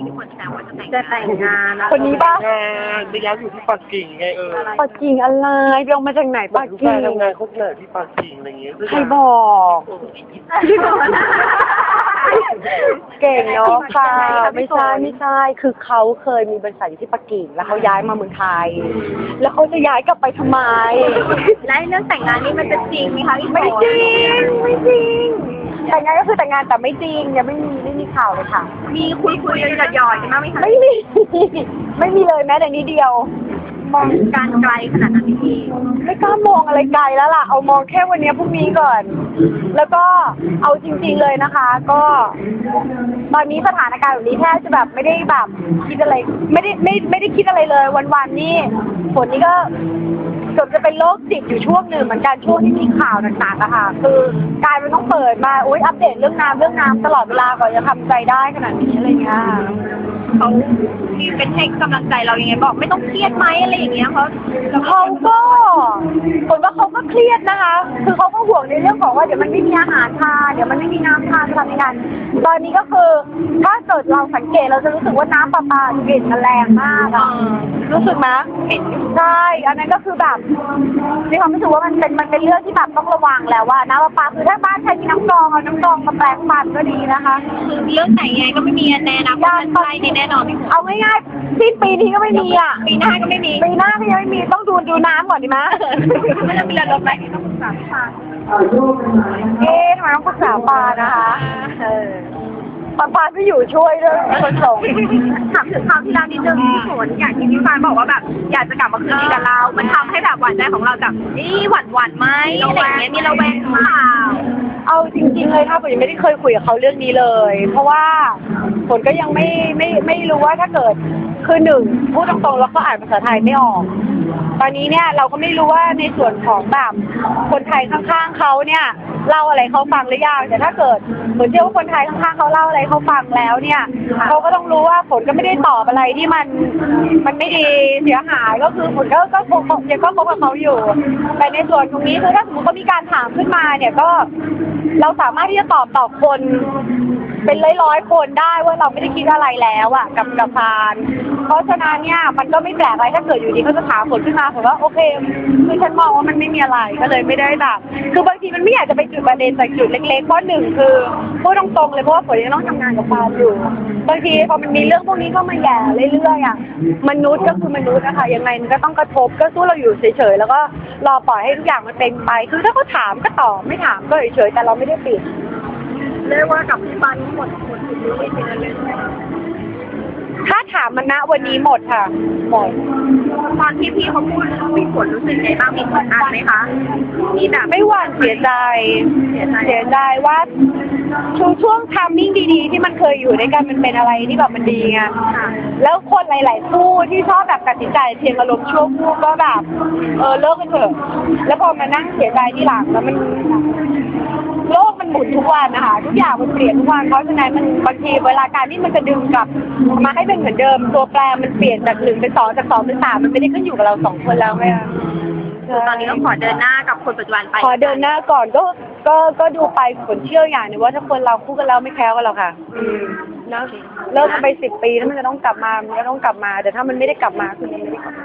ที่คนแซวว่าจะแต่งงานคนนี้ป่ะไปย้ายอยู่ที่ปักกิ่งไงปักกิ่งอะไรไปลงมาจากไหนปักกิ่งทำงานครบเลยที่ปักกิ่งอะไรเงี้ยใครบอกเก่งเนาะค่ะไม่ใช่คือเขาเคยมีบริษัทอยู่ที่ปักกิ่งแล้วเขาย้ายมาเมืองไทยแล้วเขาจะย้ายกลับไปทำไมและเรื่องแต่งงานนี่มันจะจริงไหมคะพี่ฝนไม่จริงแต่งงานก็คือแต่งงานแต่ไม่จริงยังไม่มีข่าวเลยค่ะมีคุยหยอดๆกันบ้างไหมคะไม่มีเลยแม้แต่นิดเดียวมองการไกลขนาดนั้นพี่ไม่กล้ามองอะไรไกลแล้วล่ะเอามองแค่วันนี้พรุ่งนี้ก่อนแล้วก็เอาจริงๆเลยนะคะก็ตอนนี้สถานการณ์แบบนี้แทบจะแบบไม่ได้แบบคิดอะไรไม่ได้คิดอะไรเลยวันๆนี่ฝนนี่ก็เกือบจะเป็นโรคจิตอยู่ช่วงหนึ่งเหมือนกันช่วงที่มีข่าวต่างๆอะค่ะคือกลายเป็นต้องเปิดมาอัปเดตเรื่องน้ำตลอดเวลาก่อนจะทำใจได้ขนาดนี้อะไรเงี้ยเขามีเป็นให้กำลังใจเรายังไงบอกไม่ต้องเครียดไหมอะไรอย่างเงี้ยเขาก็คนว่าเขาก็เครียดนะคะคือเขาก็ห่วงในเรื่องของว่าเดี๋ยวมันไม่มีอาหารทานเดี๋ยวมันไม่มีน้ำทานจะทำยังไงตอนนี้ก็คือถ้าเกิดเราสังเกตเราจะรู้สึกว่าน้ำประปากลิ่นมันแรงมากอะรู้สึกไหมเห็นใช่อันนั้นก็คือแบบมีความรู้สึกว่ามันเป็นเรื่องที่แบบต้องระวังแล้วว่าน้ำประปาคือถ้าบ้านใครมีน้ำกรองเอาน้ำกรองมาแปลงฟันก็ดีนะคะคือเรื่องไหนไงก็ไม่มีแน่นะใช่แน่นอนเอาง่ายๆสิ้นปีนี้ก็ไม่มีอ่ะปีหน้าก็ไม่มีปีหน้าก็ยังไม่มีต้องดูน้ำก่อนดีไหมมันจะมีระดับไหนที่ต้องปรึกษาปาทำไมต้องปรึกษาปานะคะปาไม่อยู่ช่วยด้วยคนส่งถามถึงคราวที่แล้วนิดนึงพี่ฝนอย่างที่พี่ฟ้าบอกว่าแบบอยากจะกลับมาคืนดีกับเรามันทำให้แบบหวานใจของเราแบบนี่หวั่นไหมอะไรอย่างเงี้ยมีระแวงเปล่าเอาจริงๆเลยค่ะผมยังไม่ได้เคยคุยกับเขาเรื่องนี้เลยเพราะว่าฝนก็ยังไม่รู้ว่าถ้าเกิดคือหนึ่งพูดตรงๆแล้วก็อ่านภาษาไทยไม่ออกตอนนี้เนี่ยเราก็ไม่รู้ว่าในส่วนของแบบคนไทยข้างๆเขาเนี่ยเล่าอะไรเขาฟังหรือยังแต่ถ้าเกิดเหมือนเชื่อว่าคนไทยข้างๆเขาเล่าอะไรเขาฟังแล้วเนี่ยเขาก็ต้องรู้ว่าฝนก็ไม่ได้ตอบอะไรที่มันไม่ดีเสียหายก็คือฝนก็คบกับเขาอยู่แต่ในส่วนตรงนี้คือถ้าสมมติเขามีการถามขึ้นมาเนี่ยก็เราสามารถที่จะตอบต่อคนเป็นร้อยคนได้ว่าเราไม่ได้คิดอะไรแล้วอ่ะกับพานเพราะฉะนั้นเนี่ยมันก็ไม่แปลกอะไรถ้าเกิดอยู่ดีเขาจะถามฝนขึ้นมาผมว่าโอเคคือฉันมองว่ามันไม่มีอะไรก็เลยไม่ได้แบบคือบางทีมันไม่อยากจะไปจุดประเด็นจากจุดเล็กๆเพราะหนึ่งคือพูดตรงๆเลยเพราะว่าฝนยังต้องทำงานกับพานอยู่บางทีพอมันมีเรื่องพวกนี้เข้ามาแย่เรื่อยๆอ่ะมนุษย์ก็คือมนุษย์นะคะยังไงมันก็ต้องกระทบก็สู้เราอยู่เฉยๆแล้วก็รอปล่อยให้ทุกอย่างมันเป็นไปคือถ้าเขาถามก็ตอบไม่ถามก็เฉยๆแต่เราไม่ได้ปิดเรียกว่ากับพี่ปันหมดไม่เป็นอะไรถ้าถามมันณวันนี้หมดค่ะหมดตอนที่พี่เขาพูดมีผลรู้สึกไงบ้างมีผลอัดไหมคะมีแบบไม่หวั่นเสียใจว่าช่วงทัมมิ่งดีๆที่มันเคยอยู่ด้วยกันมันเป็นอะไรที่แบบมันดีไงแล้วคนหลายๆคู่ที่ชอบแบบตัดสินใจเพียงอารมณ์ชั่วคู่ก็แบบเลิกกันเถอะแล้วพอมานั่งเสียใจที่หลังแล้วมันโลกมันหมุนทุกวันนะคะทุกอย่างมันเปลี่ยนทุกวันเพราะฉะนั้นมันบางทีเวลาการที่มันจะดึงกลับมาให้เป็นเหมือนเดิมตัวแปรมันเปลี่ยนจาก1 เป็น 2จาก2 เป็น 3มันไม่ได้ขึ้นอยู่กับเรา2 คนแล้วไงตอนนี้ก็ขอเดินหน้ากับคนปัจจุบันไปขอเดินหน้าก่อนก็ดูไปผลเชื่ออย่างนึงว่าถ้าคนเราคู่กันแล้วไม่แคล้วกันหรอกค่ะนะเลิกกันไป10 ปีแล้วมันจะต้องกลับมาแต่ถ้ามันไม่ได้กลับมาคือมันไม่ได้กลับมา